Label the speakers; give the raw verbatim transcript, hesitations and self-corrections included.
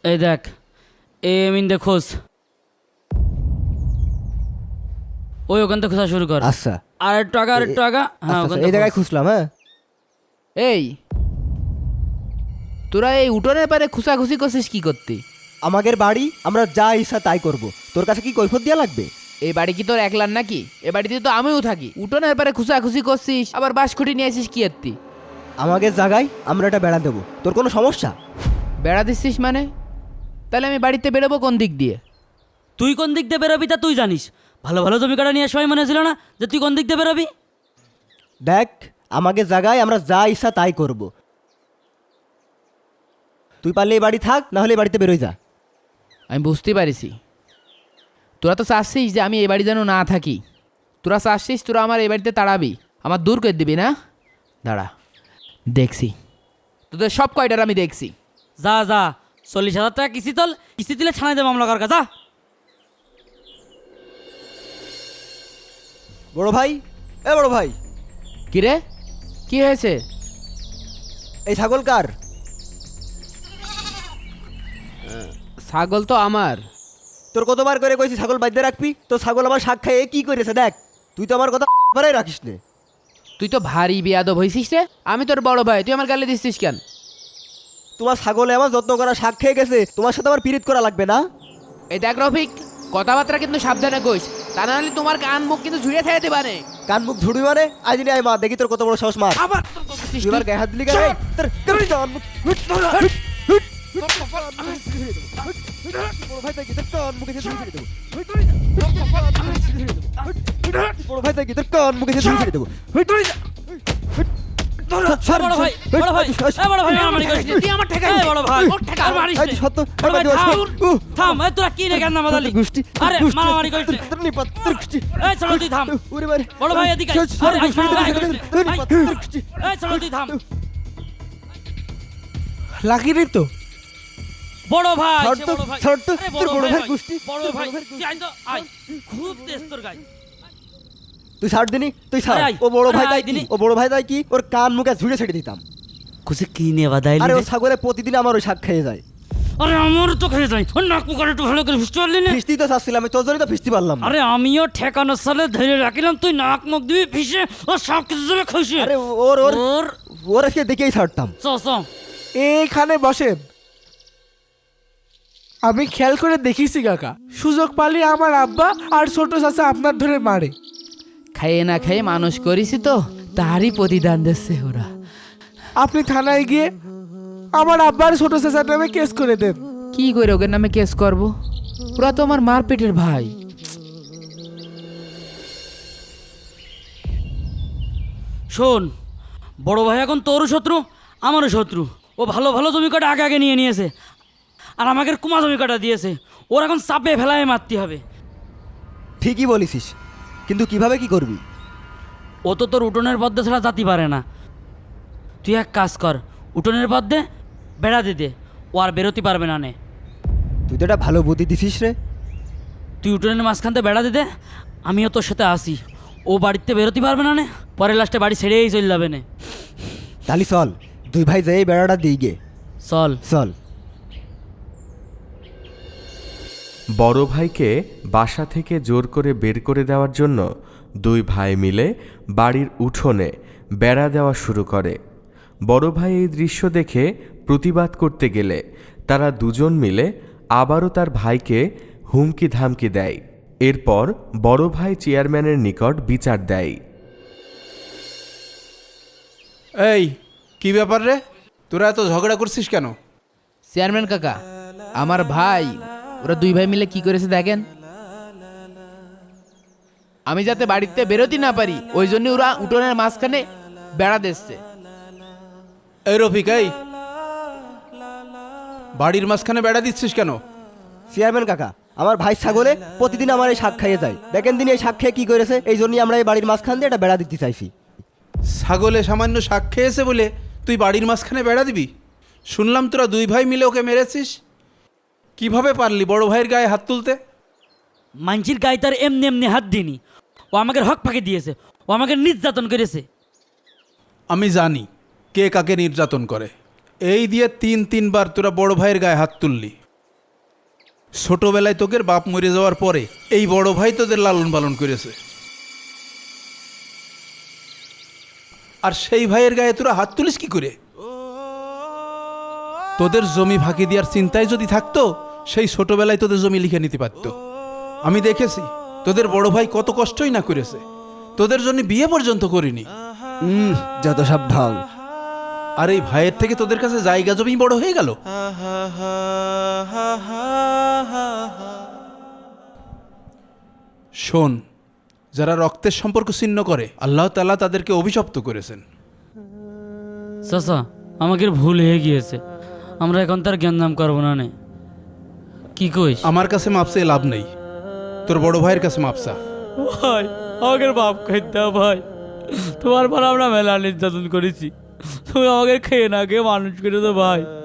Speaker 1: এই দেখ এই মিন দে খোঁজ ওই ওখান থেকে খোঁজা শুরু কর।
Speaker 2: আচ্ছা
Speaker 1: আর একটু আগা আর একটু আগা। হ্যাঁ
Speaker 2: আচ্ছা,
Speaker 1: ওখান
Speaker 2: আচ্ছা, এই
Speaker 1: থেকে
Speaker 2: জায়গায়
Speaker 1: খোঁজ।
Speaker 2: খুঁজলাম। হ্যাঁ
Speaker 3: এই তোরা এই উঠোনের পারে খুশাখুশি করছিস কি করতে?
Speaker 2: আমাদের বাড়ি, আমরা যা ইচ্ছা তাই করব। তোর কাছে কি কৈফত দেওয়া লাগবে?
Speaker 3: এই বাড়ি কি তোর একলার নাকি? এ বাড়িতে তো আমিও থাকি। উঠোনের পারে খুশাখুশি করছিস, আবার বাঁশখুঁটি নিয়ে আসিস কি এত্তি?
Speaker 2: আমাদের জায়গায় আমরা এটা বেড়া দেবো, তোর কোনো সমস্যা?
Speaker 3: বেড়া দিচ্ছিস মানে? তাহলে আমি বাড়িতে বেরোবো কোন দিক দিয়ে?
Speaker 1: তুই কোন দিক দিয়ে বেরোবি তা তুই জানিস। ভালো ভালো জমি কাটা নিয়ে সবাই মনে ছিল না যে তুই কোন দিক দিয়ে বেরোবি?
Speaker 2: দেখ, আমাদের জায়গায় আমরা যা ইচ্ছা তাই করব। তুই পারলে এই বাড়ি থাক, না হলে এই বাড়িতে বেরোয় যা।
Speaker 3: আমি বুঝতে পারিছি তোরা তো চাচ্ছিস যে আমি এই বাড়ি যেন না থাকি। তোরা চাচ্ছিস তোরা আমার এই বাড়িতে তাড়াবি, আমার দূর করে দিবি না? দাঁড়া দেখছি তোদের সব কয়টার আমি দেখছি।
Speaker 1: যা যা চল্লিশ হাজার টাকা কিস্তি তোল, কিস্তি দিলে ছানাই দেবো মামলা কার যা।
Speaker 2: বড় ভাই, এ বড় ভাই,
Speaker 3: কি রে, কি হয়েছে?
Speaker 2: এই ছাগল কার?
Speaker 3: ছাগল তো আমার।
Speaker 2: তোর কতবার করে কইছি ছাগল বাঁধতে রাখবি, তো ছাগল আমার শাক খায় কি করেছে দেখ। তুই তো আমার কথা বারাই রাখিস নে।
Speaker 3: তুই তো ভারী বেয়াদব হয়েছিস রে। আমি তোর বড় ভাই, তুই আমার গালে দিচ্ছিস কেন?
Speaker 2: তোমার ছাগলে আমার যত্ন করা শাক খেয়ে গেছে, তোমার সাথে আমার পিরিত করা লাগবে না।
Speaker 3: এই দেখ রফিক, কথাবার্তা কিন্তু সাবধানে কইস, তা না হলে তোমার কান মুখ কিন্তু ঝুড়িয়ে থাকতে দিতে পারে।
Speaker 2: কান মুখ ঝুড়ি মানে আজ নিয়ে আয় মা, দেখি তোর কত বড় সাহস। মার
Speaker 3: আবার
Speaker 2: তুই আমার গায়ে হাত দিলি কেন? এই, তোর- তোর কান মুখ- হুট, হুট, হুট, হুট। বড় ভাই তাই কি, তোর কান মুখে ছেড়ে ছেড়ে দেবো। হুট, বড় ভাই তাই কি, তোর কান মুখে ছেড়ে ছেড়ে দেবো। হুট, হুট।
Speaker 1: এ বড় ভাই, বড় ভাই, এ বড় ভাই, মারামারি করিস না।
Speaker 3: তুই আমার ঠেকা
Speaker 1: এ বড় ভাই,
Speaker 3: ওর ঠেকা।
Speaker 1: আর মারিস
Speaker 2: এই
Speaker 1: না।
Speaker 2: সত্য,
Speaker 1: বড় ভাই,
Speaker 2: আমার
Speaker 1: থাম,
Speaker 2: দিবস। উহ,
Speaker 1: থাম, এ তোরা কি রে কেন মাদালি?
Speaker 2: গোষ্ঠী,
Speaker 1: আরে
Speaker 2: গোষ্ঠী,
Speaker 1: মারামারি করিস না।
Speaker 2: তোর নিপাত, তোর গোষ্ঠী।
Speaker 1: এই চলো তুই থাম।
Speaker 2: ওরে বাড়ি।
Speaker 1: বড় ভাই এদিকে আয়।
Speaker 2: সর, সর,
Speaker 1: আরে, আয়,
Speaker 2: সর,
Speaker 1: মারামারি
Speaker 2: সর,
Speaker 1: করিস না।
Speaker 2: তোর
Speaker 1: আয়,
Speaker 2: নিপাত, তোর গোষ্ঠী।
Speaker 1: এই চলো তুই থাম।
Speaker 4: লাগিনি তো
Speaker 1: বড় ভাই,
Speaker 2: ছাড়
Speaker 1: সে
Speaker 2: তো,
Speaker 1: বড় ভাই।
Speaker 2: ছাড় তো,
Speaker 1: আরে
Speaker 2: তোর বড় ভাই
Speaker 1: ভাই,
Speaker 2: গোষ্ঠী,
Speaker 1: বড়
Speaker 2: তোর
Speaker 1: ভাই,
Speaker 2: বড় ভাই
Speaker 1: তুই আয় তো, আয়। খুব তেজ তোর গায়ে।
Speaker 2: তুই ছাড় দিনি, তুই ছাড়।
Speaker 1: আরে আয়,
Speaker 2: ও বড়
Speaker 1: আরে
Speaker 2: ভাই
Speaker 1: আয়
Speaker 2: তাই কি,
Speaker 1: দিনি।
Speaker 2: ও বড় ভাই তাই কি, ওর কান মুখে ঝুড়ে ছেড়ে দিতাম।
Speaker 1: কুছে কি নিয়ে বাদাইলি
Speaker 2: আরে ও
Speaker 1: রে?
Speaker 2: ছাগলে প্রতিদিন আমার ওই শাক খেয়ে যায়।
Speaker 1: আরে আমার তো খেয়ে যাই। ওর নাক মুখ আর একটু ভালো করে ফিস্ট পারলি না?
Speaker 2: ফিস্তি তো চাচ্ছিলাম, আমি তোর জন্যই তো ফিস্তি পারলাম না।
Speaker 1: আরে আমিও ঠেকানোর সালে ধরে রাখিলাম, তুই নাক মুখ দিবি ফিসে ও সব কিছু যাবে খুশি।
Speaker 2: আরে ওর ওর
Speaker 1: ওর
Speaker 2: ওর আজকে দেখেই ছাড়তাম।
Speaker 1: চ চ।
Speaker 4: এইখানে বসেন, আমি খেয়াল করে দেখিছি কাকা, সুযোগ পালি আমার আব্বা আর ছোট চাচা আপনার ধরে মারে।
Speaker 3: খাইয়ে না খাইয়ে মানুষ করিছি তো, তারই প্রতিদান দিচ্ছে ওরা।
Speaker 4: আপনি থানায় গিয়ে আমার আব্বার ছোট চাচার নামে কেস করে দেন।
Speaker 3: কি করে ওকে নামে কেস করব? ওরা তো আমার মার পেটের ভাই।
Speaker 1: শোন, বড় ভাই এখন তোরও শত্রু আমারও শত্রু। ও ভালো ভালো জমি কাটা আগে আগে নিয়ে নিয়েছে, আর আমাকে কুমা জমি কাটা দিয়েছে। ওর এখন চাপে ফেলায় মারতে হবে।
Speaker 2: ঠিকই বলিসিস, কিন্তু কিভাবে কি করবি?
Speaker 1: ও তো তোর উঠোনের পদ্মে ছাড়া জাতি পারে না। তুই এক কাজ কর, উঠোনের পদ্মে বেড়া দে দে, ও আর বেরোতে পারবে না নে।
Speaker 2: তুই তো একটা ভালো বুদ্ধি দিছিস রে।
Speaker 1: তুই উঠোনের মাঝখানতে বেড়া দে দে, আমিও তোর সাথে আসি। ও বাড়িতে বেরোতে পারবে না নে, পরে লাস্টে বাড়ি ছেড়েই চলে যাবে নে।
Speaker 2: তাহলে চল, দুই ভাই যাই বেড়াটা দিই গে।
Speaker 1: চল।
Speaker 2: চল।
Speaker 5: বড় ভাইকে বাসা থেকে জোর করে বের করে দেওয়ার জন্য দুই ভাই মিলে বাড়ির উঠোনে বেড়া দেওয়া শুরু করে। বড় ভাই এই দৃশ্য দেখে প্রতিবাদ করতে গেলে তারা দুজন মিলে আবারও তার ভাইকে হুমকি ধামকি দেয়। এরপর বড় ভাই চেয়ারম্যানের নিকট বিচার দেয়।
Speaker 6: এই কি ব্যাপার রে, তোরা এত ঝগড়া করছিস কেন?
Speaker 3: চেয়ারম্যান কাকা, আমার ভাই ওরা দুই ভাই মিলে কি করেছে দেখেন। আমি যাতে বাড়িতে বেরোতে না পারি ওই জন্য ওরা উঠোনের মাঝখানে বেড়া দিচ্ছে।
Speaker 6: এই রফিক, এই বাড়ির মাঝখানে বেড়া দিচ্ছিস কেন?
Speaker 2: চেয়ারম্যান কাকা, আমার ভাই ছাগলে প্রতিদিন আমার এই শাক খাইয়ে যায়। দেখেন দিন এই শাক খেয়ে কি করেছে, এই জন্যই আমরা এই বাড়ির মাঝখান দিয়ে একটা বেড়া দিতে চাইছি।
Speaker 6: ছাগলে সামান্য শাক খেয়েছে বলে তুই বাড়ির মাঝখানে বেড়া দিবি? শুনলাম তোরা দুই ভাই মিলে ওকে মেরেছিস। কিভাবে পারলি বড় ভাইয়ের গায়ে হাত তুলতে?
Speaker 1: মানছির গায়ে তার এমনি এমনি হাত দিনি, ও আমাকে হক ফাঁকি দিয়েছে, ও আমাকে নির্যাতন করেছে।
Speaker 6: আমি জানি কে কাকে নির্যাতন করে। এই দিয়ে তিন তিনবার তোরা বড় ভাইয়ের গায়ে হাত তুললি। ছোটবেলায় তোদের বাপ মরে যাওয়ার পরে এই বড় ভাই তোদের লালন পালন করেছে, আর সেই ভাইয়ের গায়ে তোরা হাত তুলিস কি করে? তোদের জমি ফাঁকি দেওয়ার চিন্তায় যদি থাকতো সেই ছোটবেলায় তোদের জমি লিখে নিতে পারতো। আমি দেখেছি তোদের বড় ভাই কত কষ্টই না করেছে, তোদের জন্য বিয়ে পর্যন্ত করিনি।
Speaker 2: হুম, যত সব ঢং।
Speaker 6: আর এই ভাইয়ের থেকে তোদের কাছে জায়গা জমি বড় হয়ে গেল। শোন, যারা রক্তের সম্পর্ক ছিন্ন করে আল্লাহ তাআলা তাদেরকে অভিশপ্ত করেছেন।
Speaker 1: চাচা আমাকে ভুল হয়ে গিয়েছে, আমরা এখন তার জ্ঞান নাম করবো না নে। কি কইস?
Speaker 6: আমার কাছে মাপসে লাভ নেই, তোর বড় ভাইয়ের কাছে মাপসা।
Speaker 1: ভাই আমাকে বাপ খাইতে ভাই, তোমার পর আমরা মেলা নির্যাতন করেছি, তুমি আমাকে খেয়ে না খেয়ে মানুষ করেছো ভাই।